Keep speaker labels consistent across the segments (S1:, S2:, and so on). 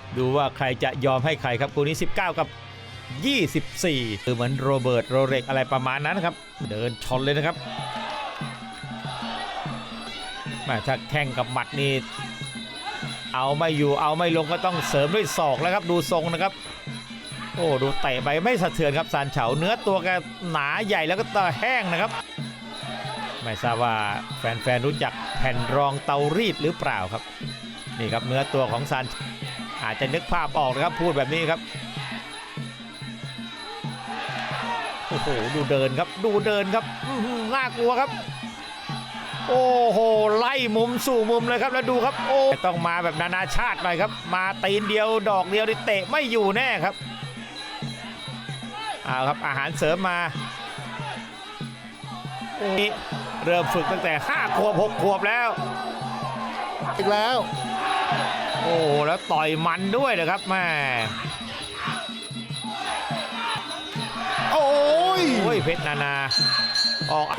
S1: ดูว่าใครจะยอมให้ใครครับคู่นี้19กับ24คือเหมือนโรเบิร์ตโรเล็กอะไรประมาณนั้นครับเดินชนเลยนะครับถ้าแข่งกับหมัดนี่เอาไม่อยู่เอาไม่ลงก็ต้องเสริมด้วยศอกแล้วครับดูทรงนะครับโอ้ดูเตะไปไม่สะเทือนครับซานเฉาเนื้อตัวแกหนาใหญ่แล้วก็ตาแห้งนะครับไม่ทราบว่าแฟนๆรู้จักแผ่นรองเตารีดหรือเปล่าครับนี่ครับเนื้อตัวของซานอาจจะนึกภาพออกนะครับพูดแบบนี้ครับโอ้โหดูเดินครับดูเดินครับน่ากลัวครับโอ้โหไล่มุมสู่มุมเลยครับแล้วดูครับโอ้ต้องมาแบบนานาชาติหน่อยครับมาตีนเดียวดอกเดียวนี่เตะไม่อยู่แน่ครับเอาครับอาหารเสริมมาเริ่มฝึกตั้งแต่5 ขวบ 6 ขวบแล้ว
S2: อีกแล้ว
S1: โอ้แล้วต่อยมันด้วยนะครับแม่
S2: โอ้
S1: ยเพชรนานาออก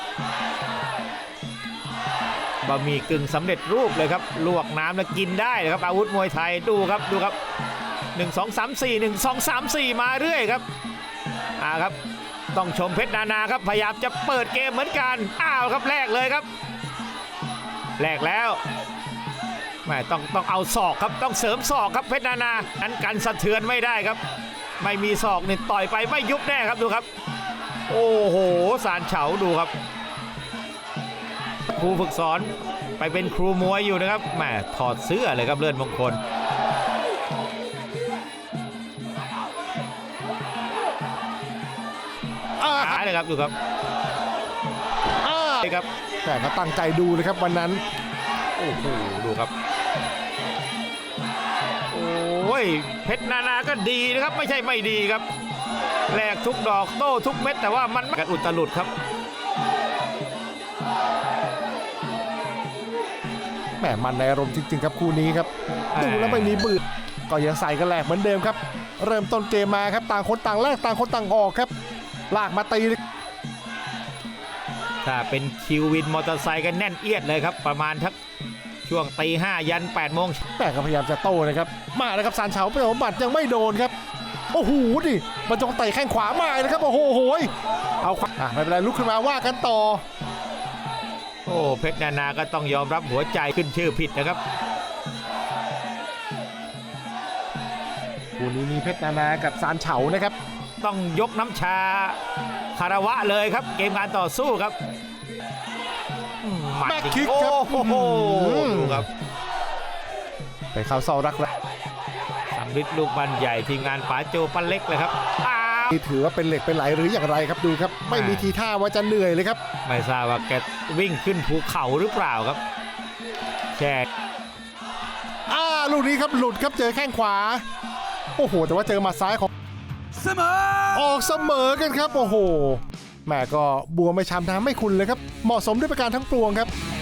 S1: บะหมี่กึ่งสำเร็จรูปเลยครับลวกน้ำแล้วกินได้เลยครับอาวุธมวยไทยดูครับดูครับ1 2 3 4 1 2 3 4มาเรื่อยครับครับต้องชมเพชรนานาครับพยายามจะเปิดเกมเหมือนกันครับแลกเลยครับแลกแล้วไม่ต้องเอาศอกครับต้องเสริมศอกครับเพชรนานานั้นกันสะเทือนไม่ได้ครับไม่มีศอกนี่ต่อยไปไม่ยุบแน่ครับดูครับโอ้โหซานเฉาดูครับครูฝึกสอนไปเป็นครูมวยอยู่นะครับแหมถอดเสื้อเลยครับเลื่อนมงคลเลยครับดูครับ
S2: ครับแต่ก็ตั้งใจดูเลยครับวันนั้น
S1: โอ้โหดูครับโอ้ยเพชรนานาก็ดีนะครับไม่ใช่ไม่ดีครับแหลกทุกดอกโต้ทุกเม็ดแต่ว่ามันกันอุตลุดครับ
S2: แหมมันในอารมณ์จริงๆครับคู่นี้ครับดูแล้วไม่มีบืดก็ยังใส่กันแหลกเหมือนเดิมครับเริ่มต้นเกมมาครับต่างคนต่างแลกต่างคนต่างออกครับลากมาตี
S1: ถ้าเป็นคิววินมอเตอร์ไซค์กันแน่นเอียดเลยครับประมาณทักช่วงตี 5ยัน8 โมง
S2: แต่ก็พยายามจะโต้นะครับมาแล้วครับซานเฉาไปเอาบัตรยังไม่โดนครับโอ้โหดิบรรจงเตะแข้งขวามาเลยครับโอ้โหเอาไม่เป็นไรลุกขึ้นมาว่ากันต่อ
S1: โอ้เพชรนานาก็ต้องยอมรับหัวใจขึ้นชื่อผิดนะครับ
S2: คู่นี้มีเพชรนานากับซานเฉานะครับ
S1: ต้องยกน้ำชาคารวะเลยครับเกมการต่อสู้ครับ
S2: แบ็คคิกครับ
S1: โอ้โหดูครับ
S2: ไปเข้าเสารักแล้ว
S1: สำริดลูกบันใหญ่ทีมงานป๋าโจปั้นเล็กเลยครับ
S2: นี่ถือว่าเป็นเหล็กเป็นไหลหรืออย่างไรครับดูครับไม่มีทีท่าว่าจะเหนื่อยเลยครับ
S1: ไม่ทราบว่าแกวิ่งขึ้นภูเขาหรือเปล่าครับแช่
S2: ลูกนี้ครับหลุดครับเจอแข้งขวาโอ้โหแต่ว่าเจอหมัดซ้ายของออกเสมอกันครับโอ้โหแม่ก็บัวไม่ช้ำน้ำไม่คุณเลยครับเหมาะสมด้วยประการทั้งปวงครับ